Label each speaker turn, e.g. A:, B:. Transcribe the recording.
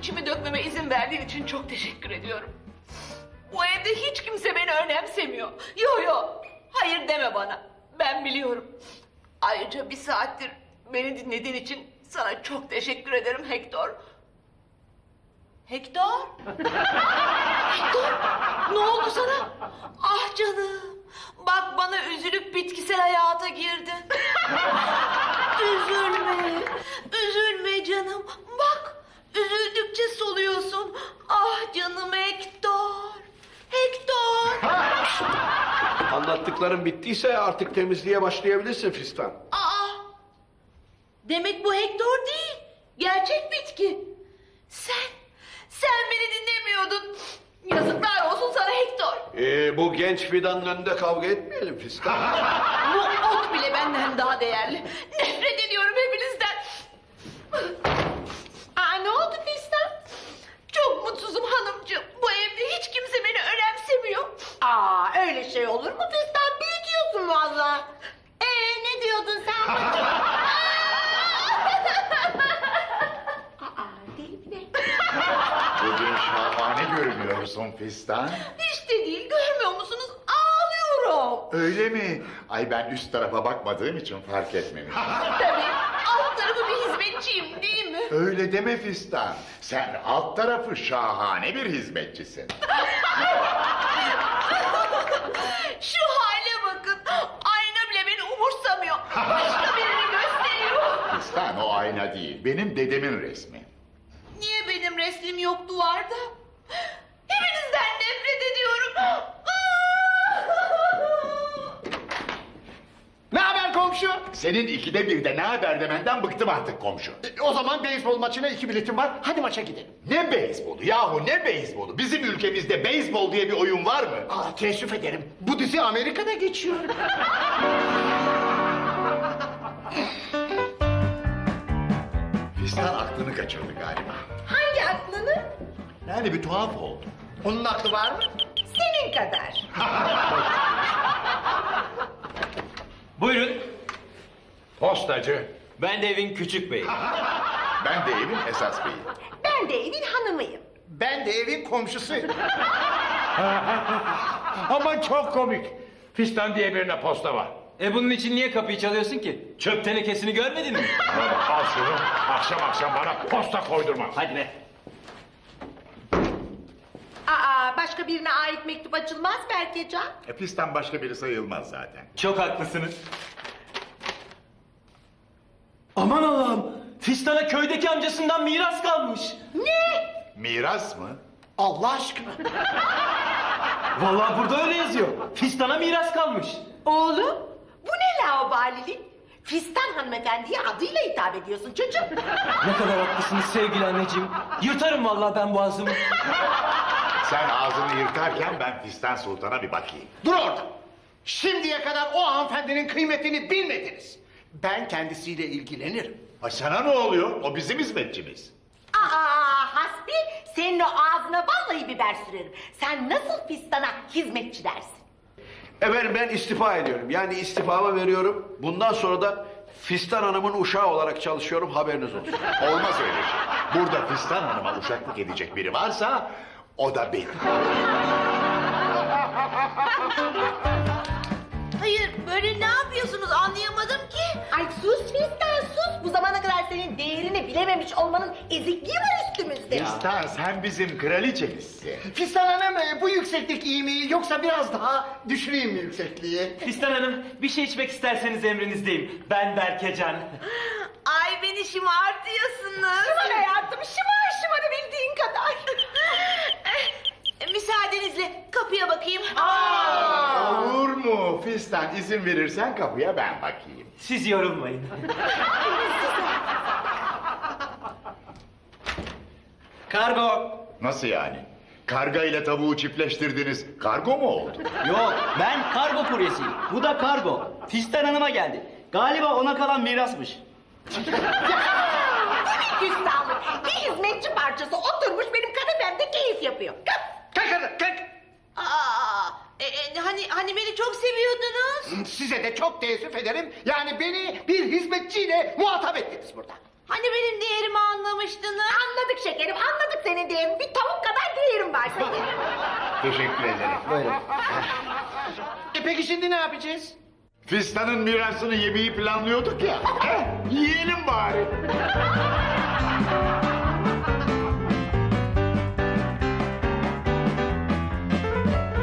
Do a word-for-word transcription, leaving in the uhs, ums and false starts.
A: içimi dökmeme izin verdiğin için çok teşekkür ediyorum. Bu evde hiç kimse beni önemsemiyor. Yo yo, hayır deme bana. Ben biliyorum. Ayrıca bir saattir beni dinlediğin için sana çok teşekkür ederim Hector. Hector? Hector, ne oldu sana? Ah canım, bak bana üzülüp bitkisel hayata girdin. Üzülme, üzülme canım. Bak, üzüldükçe soluyorsun. Ah canım Hector, Hector.
B: Anlattıklarım bittiyse artık temizliğe başlayabilirsin Fistan.
A: Aa, demek bu Hector değil, gerçek bitki. Sen, sen beni dinlemiyordun. Yazıklar olsun sana Hector.
B: Ee, bu genç fidanın önünde kavga etmeyelim Fistan.
A: Bu ot bile benden daha değerli. Nefret ediyorum hepinizden. Aa, ne oldu Fistan? Çok mutsuzum hanımcığım. Bu evde hiç kimse beni önemsemiyor.
C: Aa, öyle şey olur mu Fistan? Büyütüyorsun valla. Ee, ne diyordun sen bacım? Aa, deli mi ne?
D: Bugün şahane görünüyorsun Fistan.
A: Hiç de değil, görmüyor musunuz? Ağlıyorum.
D: Öyle mi? Ay ben üst tarafa bakmadığım için fark etmemişim.
A: Tabii, alt tarafı bir hizmetçiyim değil mi?
D: Öyle deme Fistan. Sen alt tarafı şahane bir hizmetçisin.
A: Şu hale bakın. Ayna bile beni umursamıyor. Başka birini gösteriyor.
D: Fistan o ayna değil, benim dedemin resmi.
A: Niye benim resmim yok duvarda? Hepinizden nefret ediyorum.
E: Ne haber komşu?
D: Senin ikide birde ne haber demenden bıktım artık komşu.
E: E, O zaman beyzbol maçına iki biletim var. Hadi maça gidelim.
D: Ne beyzbolu yahu ne beyzbolu? Bizim ülkemizde beyzbol diye bir oyun var mı?
E: Aa, teessüf ederim. Bu dizi Amerika'da geçiyor.
D: Fistan aklını kaçırdı galiba.
C: Hangi aklını?
D: Yani bir tuhaf oldu.
E: Onun aklı var mı?
C: Senin kadar.
F: Buyurun.
B: Postacı.
F: Ben de evin küçük beyi.
D: Ben de evin esas beyi.
C: Ben de evin hanımıyım.
E: Ben de evin komşusuyum. Aman çok komik. Fistan diye birine posta var.
F: E bunun için niye kapıyı çalıyorsun ki? Çöp tenekesini görmedin mi?
E: Al şunu. Akşam akşam bana posta koydurma.
F: Hadi be.
C: Aa, başka birine ait mektup açılmaz Berkecan.
D: E, Fistan başka biri sayılmaz zaten.
F: Çok haklısınız. Aman Allah'ım. Fistan'a köydeki amcasından miras kalmış.
D: Miras mı?
E: Allah aşkına.
F: Vallahi burada öyle yazıyor. Fistan'a miras kalmış.
C: Oğlum, bu ne laubalilik? Fistan hanımefendiye adıyla hitap ediyorsun çocuğum.
F: Ne kadar haklısınız sevgili anneciğim. Yırtarım vallahi ben boğazımı.
D: Sen ağzını yırtarken ben Fistan Sultan'a bir bakayım.
E: Dur orada. Şimdiye kadar o hanımefendinin kıymetini bilmediniz. Ben kendisiyle ilgilenirim.
D: Ay sana ne oluyor? O bizim hizmetçimiz.
C: Aa, Hasbi, senin o ağzına vallahi biber sürerim. Sen nasıl Fistan'a hizmetçi dersin?
B: Efendim ben istifa ediyorum. Yani istifamı veriyorum. Bundan sonra da Fistan Hanım'ın uşağı olarak çalışıyorum. Haberiniz olsun.
D: Olmaz öyle şey. Burada Fistan Hanım'a uşaklık edecek biri varsa o da benim.
A: Hayır, böyle ne yapıyorsunuz anlayamadım ki.
C: Ay sus Fistan sus. Bu zamana kadar senin değerini bilememiş olmanın ezikliği var üstümüzde.
D: Fistan sen bizim kraliçemizsin.
E: Fistan Hanım e, bu yükseklik iyi mi yoksa biraz daha düşüreyim mi yüksekliği?
F: Fistan Hanım bir şey içmek isterseniz emrinizdeyim. Ben Berkecan.
A: Ay beni şımartıyorsunuz.
C: Şımar hayatım şımar şımarı bildiğin kadar.
A: E, Müsaadenizle kapıya bakayım.
D: Olur mu? Fistan izin verirsen kapıya ben bakayım.
F: Siz yorulmayın. Kargo.
D: Nasıl yani? Karga ile tavuğu çiftleştirdiniz. Kargo mu oldu?
G: Yok, ben kargo kuryesiyim. Bu da kargo. Fistan Hanım'a geldi. Galiba ona kalan mirasmış.
C: Küstahlık. Bir hizmetçi parçası oturmuş benim kanepemde keyif yapıyor. Kalk.
E: Kalk hadi kalk.
A: Aa, e, e, hani hani beni çok seviyordunuz.
E: Size de çok teessüf ederim. Yani beni bir hizmetçiyle muhatap ettiniz burada.
A: Hani benim değerimi anlamıştınız.
C: Anladık şekerim anladık senin de hem bir tavuk kadar değerin var senin.
D: Teşekkür ederim.
G: Buyurun.
E: E peki şimdi ne yapacağız?
D: Fistan'ın mirasını yemeyi planlıyorduk ya. Heh, yiyelim bari.